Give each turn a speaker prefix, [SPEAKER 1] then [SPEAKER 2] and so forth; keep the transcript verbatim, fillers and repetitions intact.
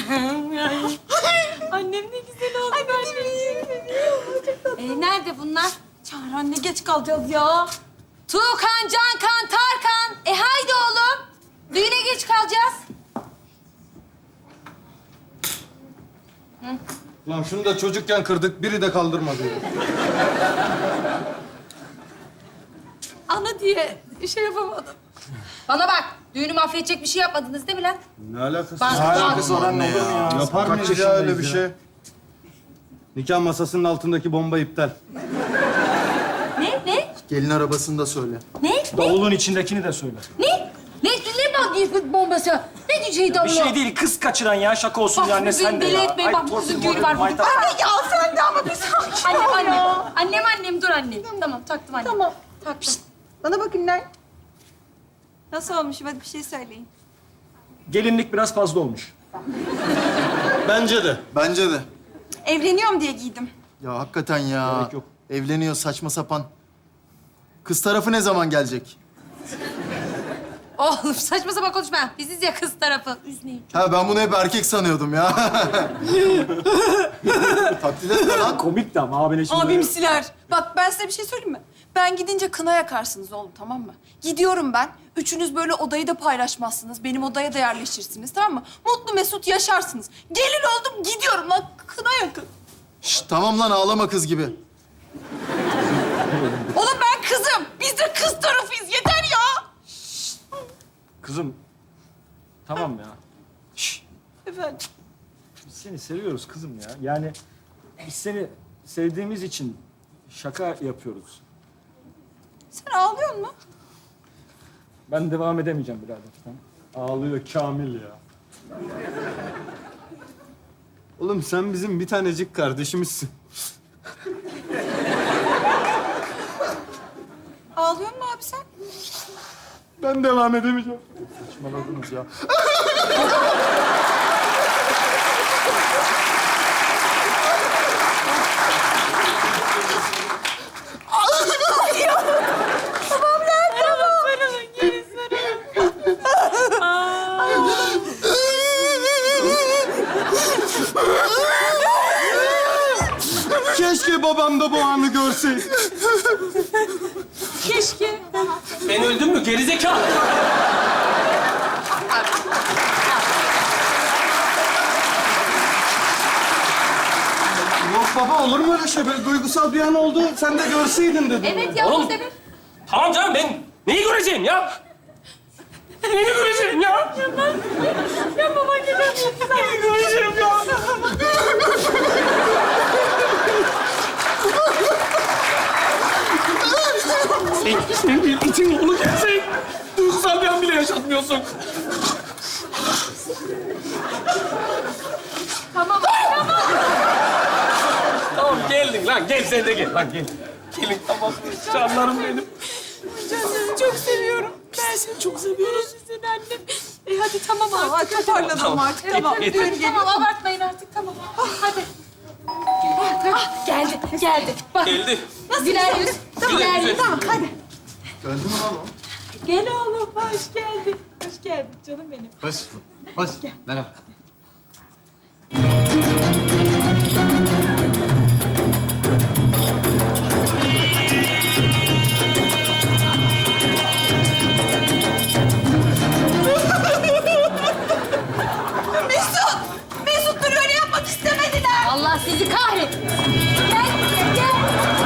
[SPEAKER 1] Annem ne güzel oldu. Anneciğim. Ee, nerede bunlar? Çağrı anne, geç kalacağız ya. Tuğkan, Cankan, Tarkan. E haydi oğlum. Düğüne geç kalacağız.
[SPEAKER 2] Lan şunu da çocukken kırdık, biri de kaldırmadı.
[SPEAKER 1] Ana diye şey yapamadım. Bana bak, düğünü mahvedecek bir şey yapmadınız değil mi lan?
[SPEAKER 2] Ne alakası
[SPEAKER 1] Bak,
[SPEAKER 2] var?
[SPEAKER 1] bak.
[SPEAKER 3] Alakası var anne ya.
[SPEAKER 2] Yapar
[SPEAKER 3] Kaç
[SPEAKER 2] mıyız ya öyle bir
[SPEAKER 3] yaşındayız
[SPEAKER 2] şey? Nikah masasının altındaki bomba iptal.
[SPEAKER 1] Ne, ne,
[SPEAKER 3] Gelin arabasını da söyle.
[SPEAKER 1] ne, ne,
[SPEAKER 4] Davulun içindekini de söyle.
[SPEAKER 1] ne? Ne, ne bak bombası? Ne diyeceğiydi Allah?
[SPEAKER 4] Bir şey değil, kız kaçıran ya. Şaka olsun
[SPEAKER 1] Bak
[SPEAKER 4] ya anne,
[SPEAKER 1] bugün
[SPEAKER 4] sen de
[SPEAKER 1] deli
[SPEAKER 4] ya.
[SPEAKER 1] etmeyin.
[SPEAKER 4] Ay,
[SPEAKER 1] Bak bu
[SPEAKER 4] torpil,
[SPEAKER 1] kızın düğünü
[SPEAKER 4] morpil,
[SPEAKER 1] var bugün.
[SPEAKER 4] maytap.
[SPEAKER 1] Anne ya sen de ama bir sakin. Annem, annem. Annem, annem. Dur anne. Tamam, taktım anne. Tamam. Taktım.
[SPEAKER 5] Bana bakın lan. Nasıl olmuş? Hadi bir şey söyleyin.
[SPEAKER 4] Gelinlik biraz fazla olmuş.
[SPEAKER 2] Bence de.
[SPEAKER 3] Bence de.
[SPEAKER 5] Evleniyorum diye giydim.
[SPEAKER 3] Ya hakikaten ya.
[SPEAKER 4] Gerek yok.
[SPEAKER 3] Evleniyor saçma sapan. Kız tarafı ne zaman gelecek?
[SPEAKER 1] Oğlum saçma sapan konuşma. Biziz ya kız tarafı. Üzmeyin.
[SPEAKER 3] Ha ben bunu hep erkek sanıyordum ya. Taklit etme lan.
[SPEAKER 4] Komik de ama abine şimdi.
[SPEAKER 5] Abimsiler. Bak ben size bir şey söyleyeyim mi? Ben gidince kına yakarsınız oğlum, tamam mı? Gidiyorum ben. Üçünüz böyle odayı da paylaşmazsınız. Benim odaya da yerleşirsiniz, tamam mı? Mutlu mesut yaşarsınız. Gelin oldum, gidiyorum lan. Kına yakın.
[SPEAKER 3] Şşt, tamam lan ağlama kız gibi.
[SPEAKER 5] Oğlum ben kızım. Biz de kız tarafıyız. Yeter ya.
[SPEAKER 4] Kızım, tamam ya.
[SPEAKER 5] Efendim.
[SPEAKER 4] Biz seni seviyoruz kızım ya. Yani biz seni sevdiğimiz için şaka yapıyoruz.
[SPEAKER 5] Sen ağlıyor musun?
[SPEAKER 4] Ben devam edemeyeceğim birader. Tamam.
[SPEAKER 2] Ağlıyor Kamil ya. Oğlum sen bizim bir tanecik kardeşimizsin.
[SPEAKER 5] Ağlıyor musun abi sen?
[SPEAKER 2] Ben devam edemeyeceğim.
[SPEAKER 3] Saçmaladınız ya.
[SPEAKER 2] Keşke babam da bu anı görseydi.
[SPEAKER 1] Keşke.
[SPEAKER 6] Ben öldüm mü gerizekalı?
[SPEAKER 2] Yok baba olur mu öyle şey? Böyle duygusal bir an oldu. Sen de görseydin dedim.
[SPEAKER 1] Evet ya,
[SPEAKER 6] Oğlum.
[SPEAKER 1] biz de bir...
[SPEAKER 6] Tamam canım ben neyi göreceğim ya? Neyi göreceğim ya?
[SPEAKER 1] Ya baban gibi.
[SPEAKER 6] Neyi göreceğim ya? sen, sen bir itin oğlu gelsen duygusal bir an bile yaşatmıyorsun.
[SPEAKER 1] Tamam, tamam.
[SPEAKER 6] Tamam geldin lan gel sen de gel lan gel. Gelin tamam canlarım benim.
[SPEAKER 1] Canım çok seviyorum. Ben seni çok seviyorum. Seni annem. E hadi tamam
[SPEAKER 5] Tamam,
[SPEAKER 1] artık.
[SPEAKER 5] hadi toparlanalım artık. Tamam.
[SPEAKER 1] Evet,
[SPEAKER 5] Düğün
[SPEAKER 1] hadi,
[SPEAKER 5] geliyor.
[SPEAKER 1] tamam abartmayın artık tamam. Hadi. Ah, geldi, geldi. Bak.
[SPEAKER 6] Geldi.
[SPEAKER 1] Güler yüz.
[SPEAKER 5] Tamam,
[SPEAKER 1] Güler yüz.
[SPEAKER 5] tamam, hadi.
[SPEAKER 3] Geldi mi lan o?
[SPEAKER 1] Gel oğlum, hoş geldin. Hoş geldin canım benim.
[SPEAKER 3] Hoş. Hoş. Merhaba.
[SPEAKER 5] Mesut! Mesut dur öyle yapmak istemediler.
[SPEAKER 1] Allah sizi kahretsin. Gel, gel.